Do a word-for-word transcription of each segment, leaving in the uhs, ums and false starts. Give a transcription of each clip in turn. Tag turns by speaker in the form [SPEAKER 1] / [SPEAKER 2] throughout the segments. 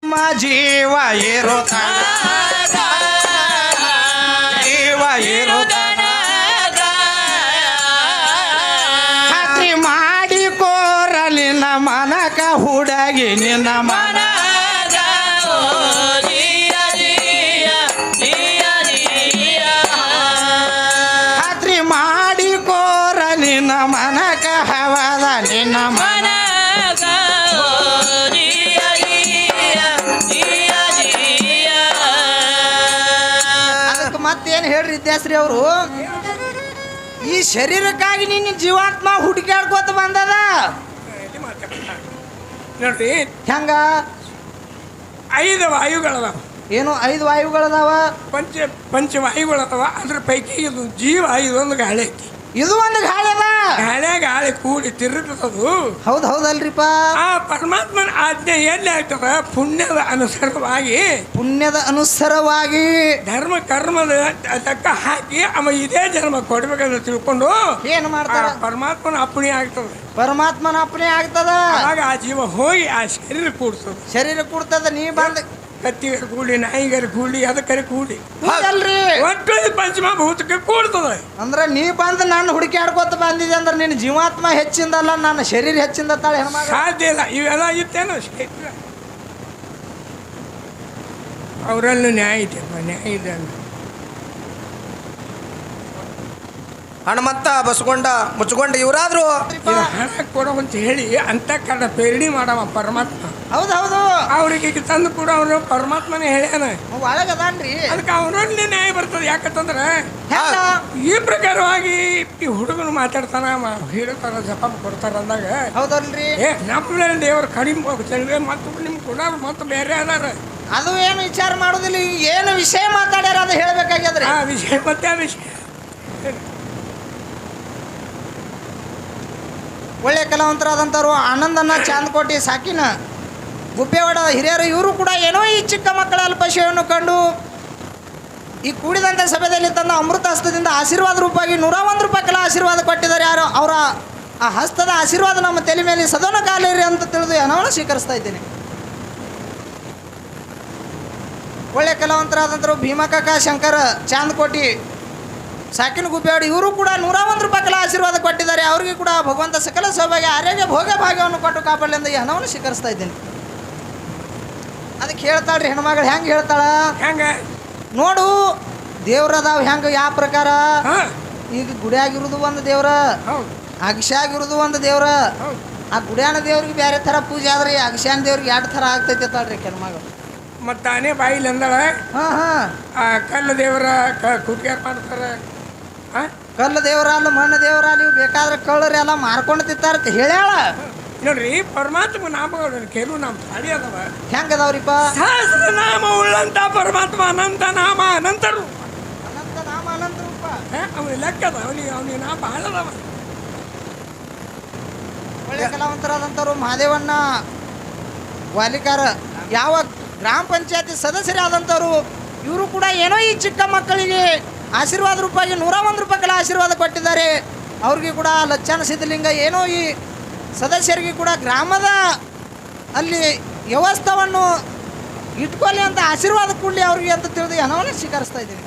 [SPEAKER 1] ಜೀವ ಇರುತ್ತಾನ ಜೀವ ಇರುತ್ತಾನ ಖಾತ್ರಿ ಮಾಡಿಕೋರಲಿನ ಮನಕ ಹುಡುಗಿ ನಿನ್ನ ಮನ ಖಾತ್ರಿ ಮಾಡಿಕೋರಲಿನ ಮನಕ ಹವದ ನಿನ್ನ ಮನ ಮತ್ತೇನು ಹೇಳ್ರಿ ಇದ್ಯಾಸ್ರಿ ಅವರು ಈ ಶರೀರಕ್ಕಾಗಿ ನಿನ್ನ ಜೀವಾತ್ಮ ಹುಡುಕಾಡ್ಕೋತ ಬಂದದ
[SPEAKER 2] ನೋಡ್ರಿ
[SPEAKER 1] ಹೆಂಗ
[SPEAKER 2] ಐದು ವಾಯುಗಳದಾವ
[SPEAKER 1] ಏನು ಐದು ವಾಯುಗಳದಾವ
[SPEAKER 2] ಪಂಚ ಪಂಚವಾಯುಗಳದಾವ ಅದ್ರ ಪೈಕಿ ಇದು ಜೀವ ಇದೊಂದು ಗಾಳಿ ಐತಿ
[SPEAKER 1] ಇದು ಒಂದು ಗಾಳಿ ಅದ
[SPEAKER 2] ಗಾಳಿ ಗಾಳಿ ಕೂಡಿ ತಿರುಗತದು
[SPEAKER 1] ಹೌದು ಹೌದಲ್ರಿಪ್ಪ
[SPEAKER 2] ಆ ಪರಮಾತ್ಮನ ಆಜ್ಞೆ ಎಲ್ಲಿ ಆಗ್ತದ ಪುಣ್ಯದ ಅನುಸಾರವಾಗಿ
[SPEAKER 1] ಪುಣ್ಯದ ಅನುಸಾರವಾಗಿ
[SPEAKER 2] ಧರ್ಮ ಕರ್ಮದ ತಕ್ಕ ಹಾಕಿ ಅವ ಇದೇ ಜನ್ಮ ಕೊಡ್ಬೇಕಂತ ತಿಳ್ಕೊಂಡು
[SPEAKER 1] ಏನು ಮಾಡ್ತಾರ
[SPEAKER 2] ಪರಮಾತ್ಮನ ಅಪ್ಪಣೆ ಆಗ್ತದ
[SPEAKER 1] ಪರಮಾತ್ಮನ ಅಪ್ಪಣೆ ಆಗ್ತದ
[SPEAKER 2] ಆಗ ಆ ಜೀವ ಹೋಗಿ ಆ ಶರೀರ ಕೂಡ್ತದ
[SPEAKER 1] ಶರೀರ ಕೂಡ್ತದ ನೀ ಬಂದ
[SPEAKER 2] ಕತ್ತಿಗರ ಕೂಡಿ ನಾಯಿಗರ ಕೂಡಿ ಅದಕ್ಕರೆ ಕೂಡಿ
[SPEAKER 1] ಹೌದಲ್ರಿ
[SPEAKER 2] ಒಟ್ಟು ಪಂಚಮಭೂತಕ್ಕೆ ಕೂಡ್ತದ
[SPEAKER 1] ಅಂದ್ರ ನೀ ಬಂದು ನಾನು ಹುಡುಕಾಡ್ಕೋತ ಬಂದಿದೆ ಅಂದ್ರೆ ನಿನ್ನ ಜೀವಾತ್ಮ ಹೆಚ್ಚಿಂದಲ್ಲ ನನ್ನ ಶರೀರ ಹೆಚ್ಚಿಂದ ತಾಳೆ
[SPEAKER 2] ಸಾಧ್ಯ ಇಲ್ಲ ಇವೆಲ್ಲ ಇತ್ತೇನೋ ಅವರಲ್ಲೂ ನ್ಯಾಯ ಇದೆಯಪ್ಪ ನ್ಯಾಯ ಇದೆ ಅಂತ
[SPEAKER 1] ಹನುಮಂತ ಬಸ್ಕೊಂಡ ಮುಚ್ಕೊಂಡ ಇವರಾದ್ರು
[SPEAKER 2] ಹಣ ಕೊಡೋ ಅಂತ ಹೇಳಿ ಅಂತ ಕಡ ಪೇರಣಿ ಮಾಡವ ಪರಮಾತ್ಮ
[SPEAKER 1] ಹೌದೌದು
[SPEAKER 2] ಅವ್ರಿಗೆ ತಂದು ಕೂಡ ಅವನು ಪರಮಾತ್ಮನೇ ಹೇಳ್ಯಾನ
[SPEAKER 1] ಒಳಗದಾನ್ರಿ
[SPEAKER 2] ಅದಕ್ಕೆ ಅವರಲ್ಲಿ ನ್ಯಾಯ ಬರ್ತದೆ ಯಾಕಂತಂದ್ರೆ ಈ ಪ್ರಕಾರವಾಗಿ ಈ ಹುಡುಗನು ಮಾತಾಡ್ತಾನ ಹೇಳ್ತಾರ ಜಪ ಕೊಡ್ತಾರ ಅಂದಾಗ
[SPEAKER 1] ಹೌದಲ್ರಿ
[SPEAKER 2] ಏ ನಮ್ಮ ದೇವರು ಕಡಿಮೆ ಹೋಗ್ತಾರೆ ಮತ್ತು ನಿಮ್ಗೆ ಕೂಡ ಮತ್ತು ಬೇರೆ ಅದಾರ
[SPEAKER 1] ಅದು ಏನು ವಿಚಾರ ಮಾಡೋದಿಲ್ಲ ಏನು ವಿಷಯ ಮಾತಾಡ್ಯಾರ ಅದು ಹೇಳ್ಬೇಕಾಗ್ಯದ್ರಿ
[SPEAKER 2] ಆ ವಿಷಯ ಮತ್ತೆ ಆ ವಿಷಯ
[SPEAKER 1] ಒಳ್ಳೆ ಕಲಾವಂತರಾದಂಥವ್ರು ಆನಂದನ ಚಾಂದಕೋಟಿ ಸಾಕಿನ ಗುಪ್ಪೇವಾಡ ಹಿರಿಯರು ಇವರು ಕೂಡ ಏನೋ ಈ ಚಿಕ್ಕ ಮಕ್ಕಳ ಅಲ್ಪಶಯವನ್ನು ಕಂಡು ಈ ಕೂಡಿದಂಥ ಸಭೆಯಲ್ಲಿ ತಂದ ಅಮೃತ ಹಸ್ತದಿಂದ ಆಶೀರ್ವಾದ ರೂಪಾಗಿ ನೂರ ಒಂದು ರೂಪಾಯಿ ಕೆಲ ಆಶೀರ್ವಾದ ಕೊಟ್ಟಿದ್ದಾರೆ ಯಾರು ಅವರ ಆ ಹಸ್ತದ ಆಶೀರ್ವಾದ ನಮ್ಮ ತಲೆ ಮೇಲೆ ಸದನ ಕಾಲಿರಿ ಅಂತ ತಿಳಿದು ಏನವನ್ನ ಸ್ವೀಕರಿಸ್ತಾ ಇದ್ದೇನೆ. ಒಳ್ಳೆ ಕಲಾವಂತರಾದಂಥವ್ರು ಭೀಮಕಾಕ ಶಂಕರ ಚಾಂದಕೋಟಿ ಸಾಕಿನ ಗುಬ್ಬೇವಾಡ ಇವರು ಕೂಡ ನೂರ ಒಂದು ರೂಪಾಯಿ ಕೆಲ ಆಶೀರ್ವಾದ ಕೊಟ್ಟಿದ್ದಾರೆ. ಅವರಿಗೆ ಕೂಡ ಭಗವಂತ ಸಕಲ ಸೌಭಾಗ್ಯ ಆರೋಗ್ಯ ಭೋಗ ಭಾಗ್ಯವನ್ನು ಕೊಟ್ಟು ಕಾಪಾಡಲಿಂದ ಈ ಹಣವನ್ನು ಸ್ವೀಕರಿಸ್ತಾ ಇದ್ದೇನೆ. ಅದಕ್ಕೆ ಹೇಳ್ತಾಳ್ರಿ ಹೆಣ್ಮಗಳು ಹೆಂಗೆ ಹೇಳ್ತಾಳ
[SPEAKER 2] ಹೆಂಗೆ
[SPEAKER 1] ನೋಡು ದೇವ್ರದಾವ್ ಹೆಂಗೆ ಯಾವ ಪ್ರಕಾರ ಈಗ ಗುಡಿಯಾಗಿರೋದು ಒಂದು ದೇವ್ರ ಅಗಶ್ಯಾಗಿರೋದು ಒಂದು ದೇವ್ರ ಆ ಗುಡಿಯಾನ ದೇವ್ರಿಗೆ ಬೇರೆ ಥರ ಪೂಜೆ ಆದ್ರೆ ಅಗಶ್ಯಾನ ದೇವ್ರಿಗೆ ಎರಡು ಥರ ಆಗ್ತೈತೆ ತಾಳ್ರಿ ಹೆಣ್ಮಗಳು
[SPEAKER 2] ಮತ್ತು ತಾನೇ ಬಾಯಿಲಿ ಅಂದಾಳೆ
[SPEAKER 1] ಹಾಂ ಹಾಂ
[SPEAKER 2] ಆ ಕಲ್ಲು ದೇವರ ಕುಟ್ಗ್ಯಾರ ಮಾಡ್ತಾರೆ
[SPEAKER 1] ಕಲ್ಲು ದೇವ್ರ ಅಲ್ಲ ಮಣ್ಣು ದೇವ್ರ ನೀವು ಬೇಕಾದ್ರೆ ಕಳ್ಳರು ಎಲ್ಲ ಮಾರ್ಕೊಂಡು ತಿಂತಾರ ಹೇಳ್ಯಾಳ
[SPEAKER 2] ನೋಡ್ರಿ ಪರಮಾತ್ಮ ನಾಮಗಳು ಕೆಲವು ನಾಮ ಸಾಡಿ ಅದಾವ
[SPEAKER 1] ಹೆಂಗ ಅದಾವ್ರಿಪ್ಪ
[SPEAKER 2] ಸಹಸ್ರ ನಾಮ ಉಳ್ಳಂತ ಪರಮಾತ್ಮ ಅನಂತ ನಾಮ ಅನಂತರು
[SPEAKER 1] ಅನಂತ ನಾಮ ಅನಂತ ರೂಪ
[SPEAKER 2] ಅವನಿಗೆ ಲೆಕ್ಕ ಅದ ಅವನಿಗೆ ಅವನಿಗೆ ನಾಮ ಭಾಳ ಅದಾವ.
[SPEAKER 1] ಒಳ್ಳೆ ಕಲಾವಂತರಾದಂಥವ್ರು ಮಹಾದೇವಣ್ಣ ವಾಲಿಕಾರ ಯಾವ ಗ್ರಾಮ ಪಂಚಾಯತಿ ಸದಸ್ಯರಾದಂಥವ್ರು ಇವರು ಕೂಡ ಏನೋ ಈ ಚಿಕ್ಕ ಮಕ್ಕಳಿಗೆ ಆಶೀರ್ವಾದ ರೂಪಾಯಿ ನೂರ ಒಂದು ರೂಪಾಯಿಗಳ ಆಶೀರ್ವಾದ ಕೊಟ್ಟಿದ್ದಾರೆ. ಅವ್ರಿಗೆ ಕೂಡ ಲಚ್ಚಾನ ಸಿದ್ಧಲಿಂಗ ಏನೋ ಈ ಸದಸ್ಯರಿಗೆ ಕೂಡ ಗ್ರಾಮದ ಅಲ್ಲಿ ವ್ಯವಸ್ಥೆಯನ್ನು ಇಟ್ಕೊಳ್ಳಿ ಅಂತ ಆಶೀರ್ವಾದ ಕೊಡಲಿ ಅವ್ರಿಗೆ ಅಂತ ತಿಳಿದು ಹಣವನ್ನು ಸ್ವೀಕರಿಸ್ತಾ ಇದ್ದೀವಿ.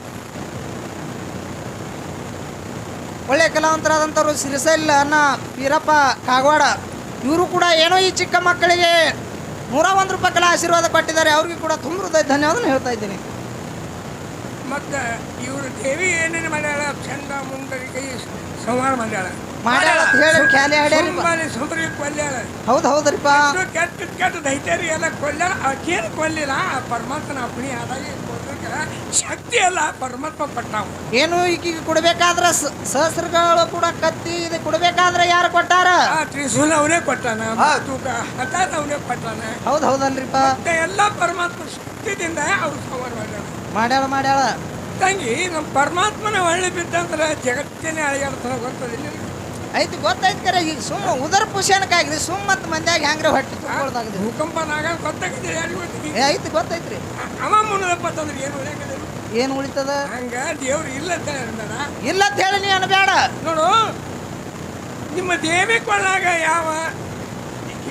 [SPEAKER 1] ಒಳ್ಳೆಯ ಕಲಾವಂತರಾದಂಥವ್ರು ಸಿರಿಸೈಲ್ ಅನ್ನ ವೀರಪ್ಪ ಕಾಗವಾಡ ಇವರು ಕೂಡ ಏನೋ ಈ ಚಿಕ್ಕ ಮಕ್ಕಳಿಗೆ ನೂರ ಒಂದು ರೂಪಾಯಿಗಳ ಆಶೀರ್ವಾದ ಕೊಟ್ಟಿದ್ದಾರೆ. ಅವ್ರಿಗೆ ಕೂಡ ತುಂಬ ಹೃದಯ ಧನ್ಯವಾದ ಹೇಳ್ತಾ ಇದ್ದೀನಿ.
[SPEAKER 2] ಮತ್ತು ಇವರು ದೇವಿ ಏನೇನು ಮಾಡ್ಯಾಳ ಚಂದ ಮುಂದರಿಗೆ ಸಂಹಾರ ಮಾಡ್ಯಾಳ
[SPEAKER 1] ಮಾಡ್ಯಾಳ ಹೇಳಿ ಖ್ಯಾಲಿ ಹಾಡ್ಯಾರಿ
[SPEAKER 2] ಸುಂದರಿ ಕೊಲ್ಯಾಳ
[SPEAKER 1] ಹೌದು ಹೌದ್ರಿಪ್ಪ
[SPEAKER 2] ಕೆಟ್ಟ ಕೆಟ್ಟ ದೈತ್ಯರಿ ಎಲ್ಲ ಕೊಲ್ಯಾಳ ಆಕೇನು ಕೊಲ್ಲಿಲ್ಲ ಆ ಪರಮಾತ್ಮನ ಅಪ್ಪಣೆ ಆದಾಗ ಶಕ್ತಿ ಅಲ್ಲ ಪರಮಾತ್ಮ ಪಟ್ಟಾವ
[SPEAKER 1] ಏನು ಈಗ ಕೊಡ್ಬೇಕಾದ್ರ ಸಹಸ್ರಗಳು ಕೂಡ ಕತ್ತಿ ಇದು ಕೊಡ್ಬೇಕಾದ್ರೆ ಯಾರು ಕೊಟ್ಟಾರ
[SPEAKER 2] ತ್ರಿಶೂಲ ಅವನೇ ಕೊಟ್ಟಾನ ತೂಕ ಹಠಾತ್ ಅವನೇ ಕೊಟ್ಟಾನ
[SPEAKER 1] ಹೌದು ಹೌದಲ್ರಿಪ್ಪ
[SPEAKER 2] ಎಲ್ಲ ಪರಮಾತ್ಮ ಶಕ್ತಿದಿಂದ ಅವ್ರು ಸಂಹಾರ ಮಾಡ್ಯಾಳ
[SPEAKER 1] ಮಾಡ್ಯಾಳ ಮಾಡ್ಯಾಳ
[SPEAKER 2] ತಂಗಿ ನಮ್ಮ ಪರಮಾತ್ಮನ ಒಳ್ಳೆ ಬಿದ್ದಂದ್ರೆ ಜಗತ್ತೇನೆ ಅಳಿಯಾಡ್ತಾನೆ ಗೊತ್ತದಿಲ್ಲ
[SPEAKER 1] ಐತಿ ಗೊತ್ತೈತಿ ಕರೆ ಈಗ ಸುಮ್ಮ ಉದರ ಪುಷಣಕ್ಕಾಗ್ರಿ ಸುಮ್ಮ ಮತ್ತು ಮಂದ್ಯಾಗ ಹೆಂಗ್ರೆ ಹೊಟ್ಟೆ ತುಂಬಿಕೊಳ್ದಾಗ್ರಿ
[SPEAKER 2] ಭೂಕಂಪನಾಗ ಗೊತ್ತಾಗಿದೆ
[SPEAKER 1] ಏ ಐತಿ ಗೊತ್ತೈತ್ರಿ
[SPEAKER 2] ಅವ ಮುನ್ನದಪ್ಪ ಅಂತಂದ್ರೆ ಏನು ಉಳಿಯಾಕದ
[SPEAKER 1] ಏನು ಉಳಿತದ
[SPEAKER 2] ಹಂಗ ದೇವ್ರು ಇಲ್ಲ ಅಂತ ಹೇಳ್ಬೇಡ
[SPEAKER 1] ಇಲ್ಲ ಅಂತ ಹೇಳಿ ನೀ ಅನ್ಬೇಡ
[SPEAKER 2] ನೋಡು ನಿಮ್ಮ ದೇವಿ ಕೊಳ್ಳಾಗ ಯಾವ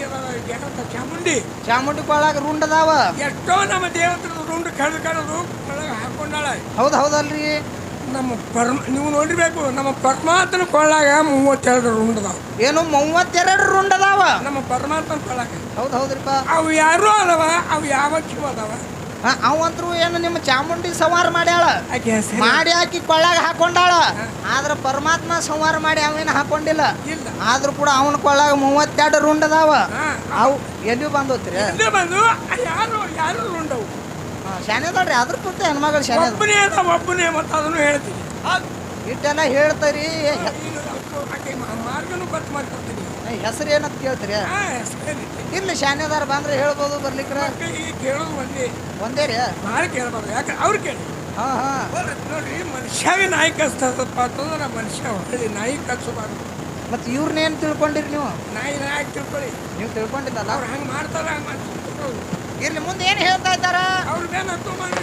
[SPEAKER 2] ಏನಂತ ಚಾಮುಂಡಿ
[SPEAKER 1] ಚಾಮುಂಡಿ ಕೊಳ್ಳಾಗ ರುಂಡ್ ಅದಾವ.
[SPEAKER 2] ಎಷ್ಟೋ ನಮ್ಮ ದೇವತರ ರುಂಡು ಕಳೆದು ಕಳೆದು ಒಳಗೆ ಹಾಕೊಂಡಾಳ.
[SPEAKER 1] ಹೌದು ಹೌದಲ್ರಿ.
[SPEAKER 2] ನಮ್ಮ ಪರಮ ನೀವು ನೋಡಿರ್ಬೇಕು, ನಮ್ಮ ಪರಮಾತ್ಮನ ಕೊಳ್ಳಾಗ ಮೂವತ್ತೆರಡು ರುಂಡ್ ಅದಾವ.
[SPEAKER 1] ಏನು ಮೂವತ್ತೆರಡು ರುಂಡ್ ಅದಾವ
[SPEAKER 2] ನಮ್ಮ ಪರಮಾತ್ಮನ ಕೊಳ್ಳಾಗ.
[SPEAKER 1] ಹೌದು ಹೌದ್ರಿಪ್ಪ.
[SPEAKER 2] ಅವು ಯಾರು ಅದಾವ, ಅವು ಯಾವ ಕಿವು ಅದಾವ.
[SPEAKER 1] ಅವಂತ್ರು ಏನು ನಿಮ್ಮ ಚಾಮುಂಡಿ ಸಂಹಾರ ಮಾಡ್ಯಾಳ,
[SPEAKER 2] ಆಕೆ ಹೆಸರು
[SPEAKER 1] ಮಾಡಿ ಹಾಕಿ ಕೊಳ್ಳಾಗ ಹಾಕೊಂಡಾಳ. ಆದ್ರ ಪರಮಾತ್ಮ ಸಂಹಾರ ಮಾಡಿ ಅವೇನು ಹಾಕೊಂಡಿಲ್ಲ.
[SPEAKER 2] ಇಲ್ಲ.
[SPEAKER 1] ಆದ್ರೂ ಕೂಡ ಅವನ ಕೊಳ್ಳಾಗ ಮೂವತ್ತೆರಡು ರುಂಡ್ ಅದಾವ. ಅವು ಎಲ್ಲಿ ಬಂದೋತ್ರಿ
[SPEAKER 2] ಇಲ್ಲೇ ಬಂದು ಯಾರು ಯಾರು ರುಂಡವು
[SPEAKER 1] ಶಾನೆದಲ್ರಿ. ಅದ್ರ ಪೂರ್ತಿ ಹೆಣ್ಮಗಳು ಶಾನೆ
[SPEAKER 2] ಒಬ್ಬನೇ ಅದ, ಒಬ್ಬನೇ ಮತ್ತೆ ಅದನ್ನು ಹೇಳ್ತೀನಿ.
[SPEAKER 1] ಇಟ್ಟೆಲ್ಲ ಹೇಳ್ತಾರಿ.
[SPEAKER 2] ಆಕೆ ಮಾರ್ಗನು ಗೊತ್ತು ಮಾಡ್ಕೊಡ್ತೀನಿ.
[SPEAKER 1] ಹೆಸರು ಏನಂತ ಕೇಳ್ತೀರಿ? ಇಲ್ಲಿ ಶಾನೆದಾರ ಬಂದ್ರೆ ಹೇಳ್ಬೋದು, ಬರ್ಲಿಕ್ರ
[SPEAKER 2] ಕೇಳೋದು ಒಂದೇ
[SPEAKER 1] ಒಂದೇ ರೀ.
[SPEAKER 2] ಭಾಳ ಕೇಳ್ಬಾರ್ದು, ಯಾಕೆ ಅವ್ರು ಕೇಳಿ.
[SPEAKER 1] ಹಾ ಹಾ
[SPEAKER 2] ನೋಡ್ರಿ, ಮನುಷ್ಯಾಗ ನಾಯಿ ಕಸ್ತದಪ್ಪ ಅಂತಂದ್ರೆ ಮನುಷ್ಯ ಹೊಳ್ಳಿ ನಾಯಿ ಕಚ್ಚಬಾರ್ದು.
[SPEAKER 1] ಮತ್ತೆ ಇವ್ರನ್ನೇನು ತಿಳ್ಕೊಂಡಿರಿ ನೀವು?
[SPEAKER 2] ನಾಯಿ ನಾಯಿ ತಿಳ್ಕೊಳ್ಳಿ.
[SPEAKER 1] ನೀವು ತಿಳ್ಕೊಂಡಿದ್ದಲ್ಲ.
[SPEAKER 2] ಅವ್ರು ಹಂಗೆ ಮಾಡ್ತಾರ, ಹಂಗೆ ಮಾಡ್ತಾರೆ.
[SPEAKER 1] ಇರ್ಲಿ, ಮುಂದೆ ಏನು ಹೇಳ್ತಾ ಇದ್ದಾರ?
[SPEAKER 2] ಅವ್ರ ಮೇಲೆ ಹತ್ತು ಮಾಡಿ.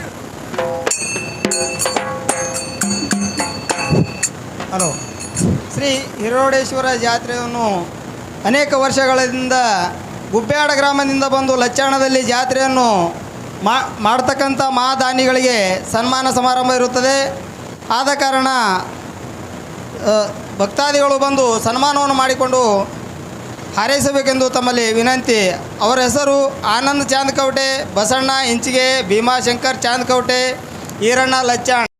[SPEAKER 3] ಹಲೋ. ಶ್ರೀ ಹಿರೋಡೇಶ್ವರ ಜಾತ್ರೆಯನ್ನು ಅನೇಕ ವರ್ಷಗಳಿಂದ ಗುಬ್ಬ್ಯಾಡ ಗ್ರಾಮದಿಂದ ಬಂದು ಲಚ್ಚಾಣದಲ್ಲಿ ಜಾತ್ರೆಯನ್ನು ಮಾ ಮಾಡ್ತಕ್ಕಂಥ ಮಹಾದಾನಿಗಳಿಗೆ ಸನ್ಮಾನ ಸಮಾರಂಭ ಇರುತ್ತದೆ. ಆದ ಕಾರಣ ಭಕ್ತಾದಿಗಳು ಬಂದು ಸನ್ಮಾನವನ್ನು ಮಾಡಿಕೊಂಡು ಹಾರೈಸಬೇಕೆಂದು ತಮ್ಮಲ್ಲಿ ವಿನಂತಿ. ಅವರ ಹೆಸರು ಆನಂದ್ ಚಾಂದ್ಕವಟೆ, ಬಸಣ್ಣ ಇಂಚಿಗೆ, ಭೀಮಾಶಂಕರ್ ಚಾಂದ್ಕವಟೆ, ಈರಣ್ಣ ಲಚ್ಚಾಣ್.